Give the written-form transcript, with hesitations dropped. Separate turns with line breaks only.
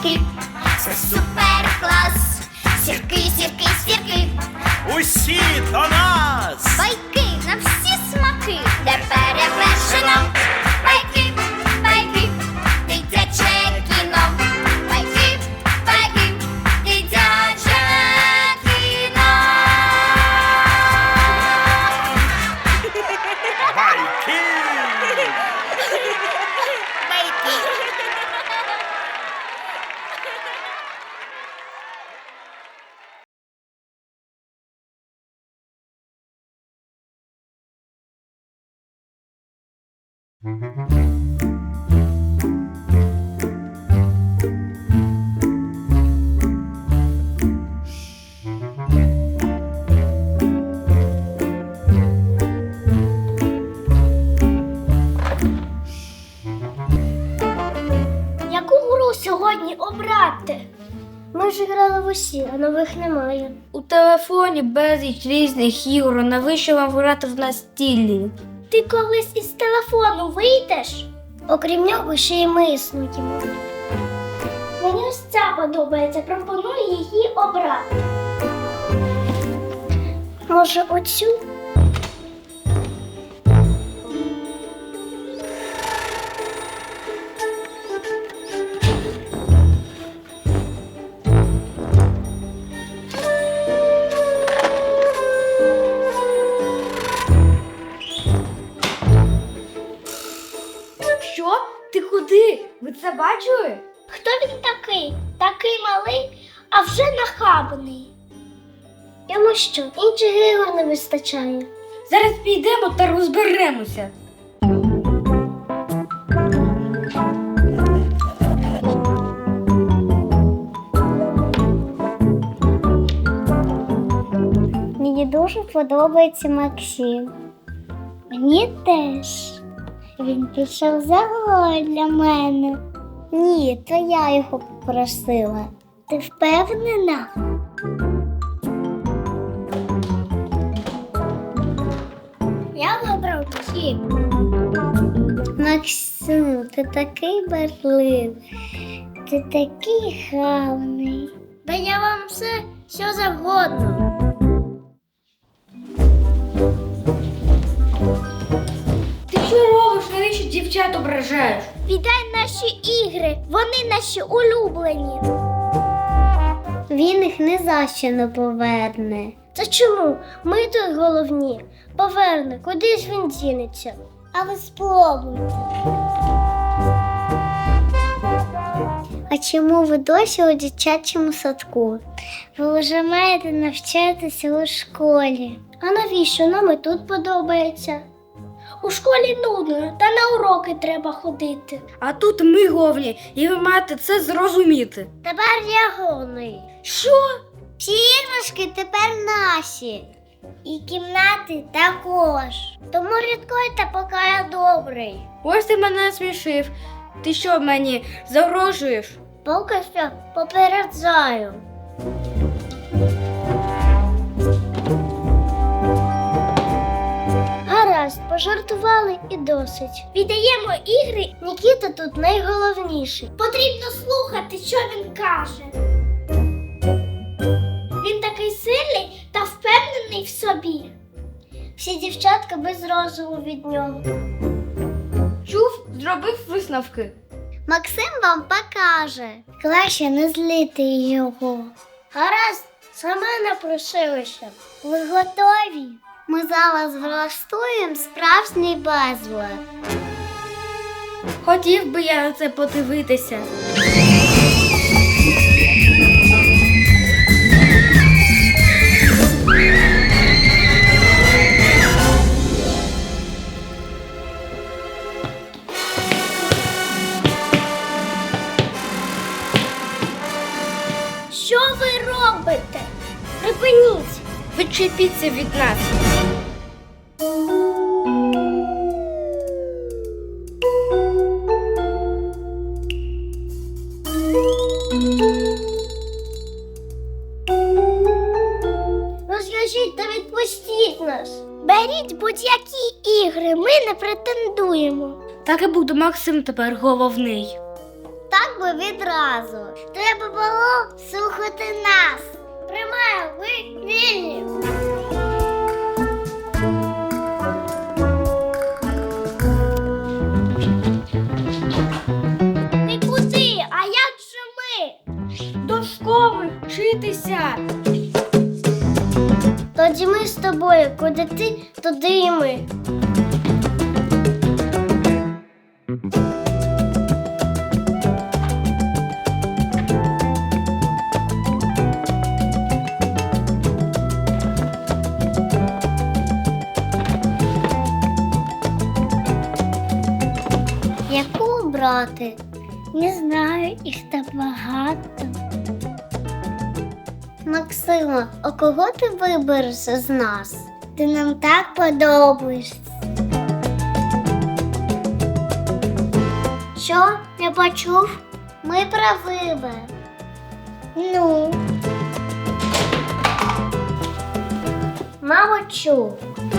сірки, це супер клас. Сірки, сірки, сірки,
Усі до нас!
байки на всі смаки, де перевершено. Байки, байки, дитяче кіно. Байки, байки, дитяче кіно.
Байки!
Яку гру сьогодні обрати? Ми ж грали в усі, а нових немає.
У телефоні безліч різних ігор, навіщо вам грати в настільні?
Ти колись із телефону вийдеш? Окрім нього, ще й ми існуємо. Мені ось ця подобається, пропоную її обрати. Може, оцю?
Що? Ти куди? Ви це бачили?
Хто він такий? Такий малий, а вже нахабний. Йому що, інших ігор не вистачає?
Зараз підемо та розберемося.
Мені дуже подобається Максим. Мені теж. Він пішов за грою для мене. Ні, то я його попросила. Ти впевнена? Я вибрав Максим. Максим, ти такий барливий. Ти такий гарний. Та я вам все, що завгодно.
Ти що робиш? Навіщо дівчат ображаєш?
Віддай наші ігри, вони наші улюблені. Він їх не за що не поверне. Та чому? Ми тут головні. Поверне, куди ж він дінеться? А ви спробуйте. А чому ви досі у дитячому садку? Ви вже маєте навчатися у школі. А навіщо нам і тут подобається? У школі нудно, та на уроки треба ходити.
А тут ми головні, і ви маєте це зрозуміти.
Тепер я головний.
Що?
Всі іграшки тепер наші. І кімнати також. Тому рідкуйте, поки я добрий.
Ось ти мене смішив. Ти що мені загрожуєш?
Поки що попереджаю. Гаразд, пожартували і досить. Віддаємо ігри, Нікіта тут найголовніший. Потрібно слухати, що він каже. Він такий сильний та впевнений в собі. Всі дівчатка без розуму від нього.
Чув, зробив висновки.
Максим вам покаже. Краще не злити його. Гаразд, сама напросилася. Ви готові? Ми зараз влаштуємо справжній безлад.
Хотів би я на це подивитися.
Що ви робите? Припиніть!
Відчепіться від нас.
Розв'яжіть та відпустіть нас. Беріть будь-які ігри, ми не претендуємо.
Так і буде, Максим тепер головний.
Так так би відразу. Треба було слухати нас. Приймаю, ви вільні. Ти куди? А як же ми?
До школи вчитися.
Тоді ми з тобою, куди ти, туди і ми. Яку обрати? Не знаю, їх так багато. Максима, а кого ти вибереш з нас? Ти нам так подобаєшся. Що? Не почув? Ми про вибір. Ну. Мабуть, чув.